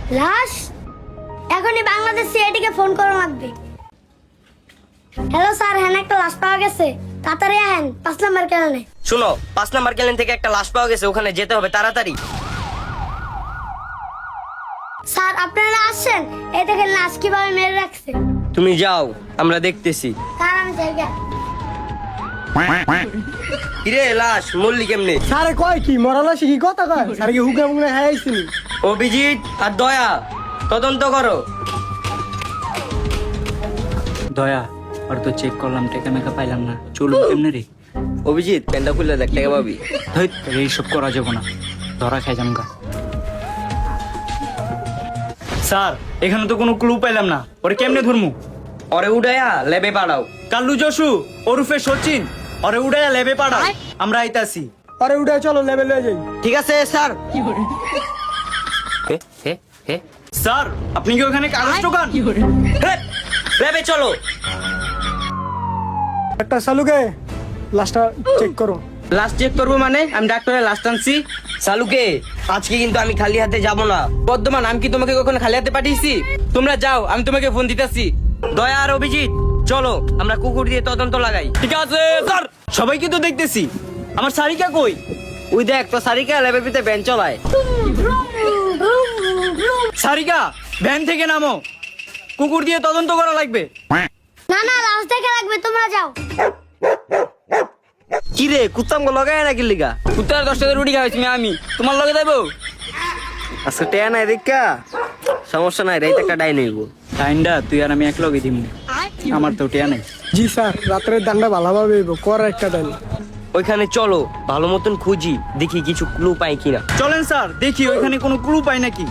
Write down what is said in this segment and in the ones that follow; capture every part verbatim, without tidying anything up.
লাশ? এখনই বাংলাদেশ সিআইডি কে ফোন করা লাগবে। হ্যালো স্যার, হ্যাঁ একটা লাশ পাওয়া গেছে, তাড়াতাড়ি আহেন পাঁচ নাম্বার ক্যালেনে। শুনো, পাঁচ নাম্বার ক্যালেন থেকে একটা লাশ পাওয়া গেছে, ওখানে যেতে হবে তাড়াতাড়ি। স্যার আপনারা আসছেন, এই দেখেন লাশ কিভাবে মেরে রাখছে। তুমি যাও, আমরা দেখতেছি। স্যার আমি জায়গা কিরে লাশ মল্লি কেমনে? স্যারে কয় কি মরালা কি কথা কয়? স্যার কি হুকা মুখে হাইছিল? অভিজিৎ আর দয়া তদন্ত করো। দয়া আর তো চেক করলাম, টেকা মেকা পাইলাম না। চলুন কেমনে রে? অভিজিৎ প্যান্ডা খুলে দেখ, টাকা পাবি। ধৈত এইসব করা যাবো না, ধরা খাই জামগা। স্যার এখানে তো কোনো ক্লু পাইলাম না, ওরে কেমনে ধরমু? ওরে উড়াইয়া লেবে পাঠাও। কাল্লু যশু ওরফে সচিন, ওরে উড়াইয়া লেবে পাড়া, আমরা আইতাছি। আরে উঠে চলো লেভেল হয়ে যাই। ঠিক আছে স্যার। হে হে হে স্যার আপনি কি ওখানে কাগজ টোকান? হে, লেবে চলো। একটা সালুকে লাস্টটা চেক করো। লাস্ট চেক করবো মানে? আমি ডাক্তারের লাস্ট আনছি। সালুকে আজকে কিন্তু আমি খালি হাতে যাব না। বর্ধমান, আমি কি তোমাকে কখনো খালি হাতে পাঠিয়েছি? তোমরা যাও, আমি তোমাকে ফোন দিতেছি। দয়া আর অভিজিৎ চলো, আমরা কুকুর দিয়ে তদন্ত লাগাই। ঠিক আছে স্যার, সবাইকে তো দেখতেছি। আমার সারিকা কই? ওই দেখ তো সারিকা লেবের ভিতরে ভ্যান চলায়। সারিকা ভ্যান থেকে নামো, কুকুর দিয়ে তদন্ত করা লাগবে। না না, লাশ দেখে লাগবে, তোমরা যাও। কি রে কুত্তাম লগায় নাকি লিগা? উত্তর দশটা রুটি খাওয়াইছি আমি, তোমার লগে যাবো? আজকে টেয়া নাই দেখা, সমস্যা নাই, রাইতে একটা ডাইন হইব। টাইমটা তুই আর আমি এক লগে দিম, আমার তো টিয়া নাই। জি স্যার, রাত্রের দান্ডা ভালোভাবে হইব, কর একটা ডাইল। ওইখানে চলো ভালো মতন খুঁজি, দেখি কিছু ক্লু পাই কিনা। চলেন স্যার, দেখি ওইখানে কোনো ক্লু পাই নাকি।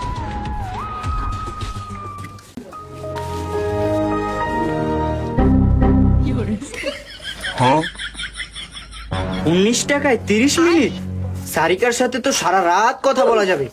উনিশ টাকায় তিরিশ মিনিট, সারিকার সাথে তো সারা রাত কথা বলা যাবে।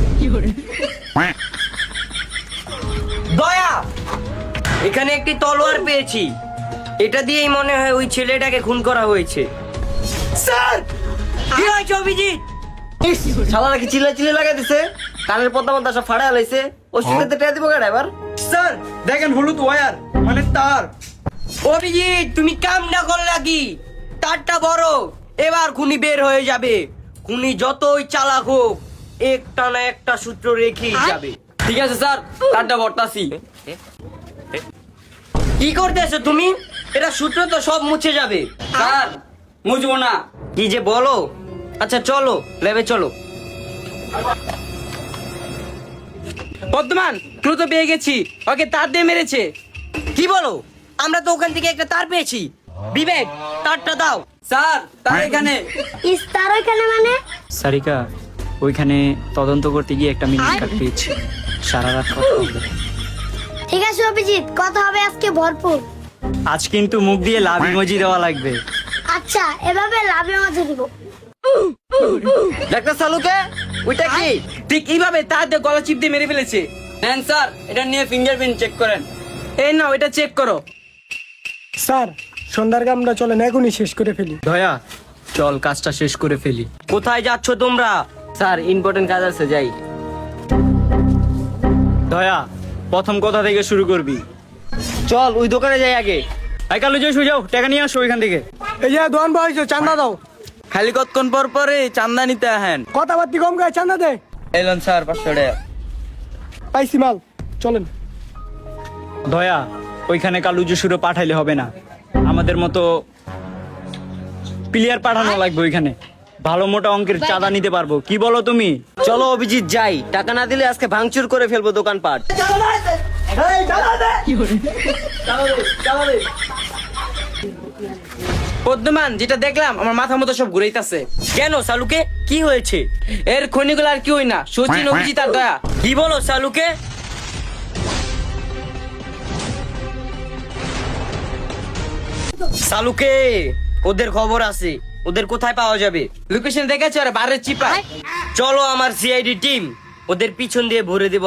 দয়া, এখানে একটি তলোয়ার পেয়েছি, এটা দিয়েই মনে হয় ওই ছেলেটাকে খুন করা হয়েছে। স্যার কি হয়েছে অভিজিৎ? শালা নাকি চিল্লা চিল্লা লাগাই দিছে, কানের পদ্মা মধ্যে সব ফাড়া লাইছে। ওর সাথে টেয়া দিব কেন এবার? স্যার দেখেন হলুদ ওয়্যার মানে তার। অভিজিৎ তুমি কাম না করলা কি? তারটা বড়, এবার খুনি বের হয়ে যাবে। খুনি যতই চালাক হোক, একটা না একটা সূত্র রেখেই যাবে। ঠিক আছে স্যার, কার্ডটা বর্তাছি। কি করতেছো তুমি? এটা সূত্র তো সব মুছে যাবে। স্যার মুজবো না। কি যে বলো। আচ্ছা চলো লেবে চলো। বর্ধমান, ক্লু তো পেয়ে গেছি, ওকে তার দিয়ে মেরেছে। কি বলো? আমরা তো ওখান থেকে একটা তার পেয়েছি। বিবেক তারটা দাও। স্যার তার এখানে। ইস, তার ওইখানে মানে? সারিকা ওইখানে তদন্ত করতে গিয়ে একটা মিনিট কাট পেয়েছি, সারা রাত কথা হবে। ঠিক আছে অভিজিৎ, কথা হবে আজকে ভরপুর। আজ কিন্তু মুখ দিয়ে লাভ ইমোজি দেওয়া লাগবে। আচ্ছা, এভাবে লাভে মাঝে দিব। ডাক্তার সালুকে ওইটা কি? ঠিক এইভাবে তার দিয়ে গলা চিপ দিয়ে মেরে ফেলেছে। নেন স্যার, এটা নিয়ে ফিঙ্গারপ্রিন্ট চেক করেন। এই নাও, এটা চেক করো। স্যার সন্ধ্যার কামটা চলেন এখনই শেষ করে ফেলি। দয়া চল কাজটা শেষ করে ফেলি। কোথায় যাচ্ছ তোমরা? স্যার ইম্পর্টেন্ট কাজ আছে, যাই। দয়া প্রথম কথা থেকে শুরু করবি। চল ওই দোকানে যাই আগে। আই কালো যাই শুয়ে যাও, টাকা নিয়ে আসো ওইখান থেকে। এই যে দোয়ান বয়স চান্দা দাও। খালি কতক্ষণ পর পরে চান্দা নিতে আহেন। কথাবার্তি কম গায়ে চান্দা দে। এলন স্যার পাঁচশো টাকা। পাইছি মাল, চলেন। দয়া ওইখানে কালু জসুরে পাঠাইলে হবে না, আমাদের মতো প্লেয়ার পাঠানো লাগবে ওইখানে। ভালো মোটা অঙ্কের চাঁদা নিতে পারবো, কি বলো তুমি? চলো অভিজিৎ যাই, টাকা না দিলে আজকে ভাঙচুর করে ফেলবো দোকানপাট। বর্ধমান, যেটা দেখলাম আমার মাথা মতো সব ঘুরাইতেছে। কেন সালুকে কি হয়েছে? এর খনিগুলো আর কি হই না, সচিন অভিজিৎ আর দয়া। কি বলো সালুকে? সালুকে ওদের খবর আছে, ওদের কোথায় পাওয়া যাবে? লোকেশন দেখেছে ওরা বারের চিপায়। চলো আমার সিআইডি টিম ওদের পিছন দিয়ে ভরে দেব।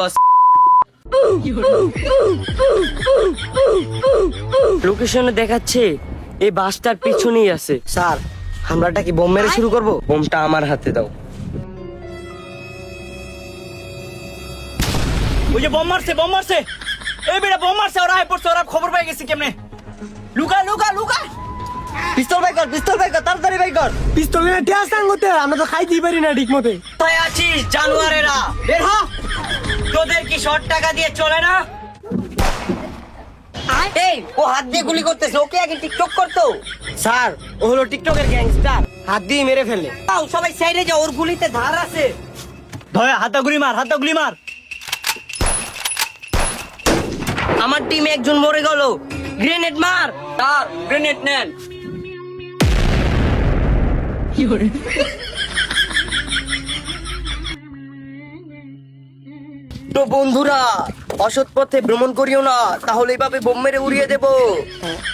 লোকেশনে দেখাচ্ছে এই বাসটার পিছনেই আছে। স্যার হামলাটা কি বোম মেরে শুরু করব? বোমটা আমার হাতে দাও। ওই যে বোম মারছে বোম মারছে এই বেটা বোম মারছে ওরা আয় পড়ছে ওরা খবর পাই গেছে কেমনে লুকা লুকা লুকা পিস্তল বাই কর পিস্তল বাই কর তাড়াতাড়ি বাই কর। পিস্তল নিয়ে টেয়া সাঙ্গতে আমরা তো খাইতেই পারি না ঠিক মতে। কোথায় আছিস জানুয়ারেরা, বের হ। তোদের কি শর্ট টাকা দিয়ে চলে না? এই ও হাত দিয়ে গুলি করতেছে, ওকে আগে টিকটক করতো। স্যার ও হলো টিকটকের গ্যাংস্টার, হাত দিয়ে মেরে ফেলে। তাও সবাই সাইডে যাও, ওর গুলিতে ধার আছে। ধয়া হাতা গুলি মার হাতা গুলি মার। আমার টিমে একজন মরে গেল, গ্রেনেড মার। স্যার গ্রেনেড নেন। তো বন্ধুরা অসৎ পথে ভ্রমণ করিও না, তাহলে এভাবে বোম মেরে উড়িয়ে দেবো।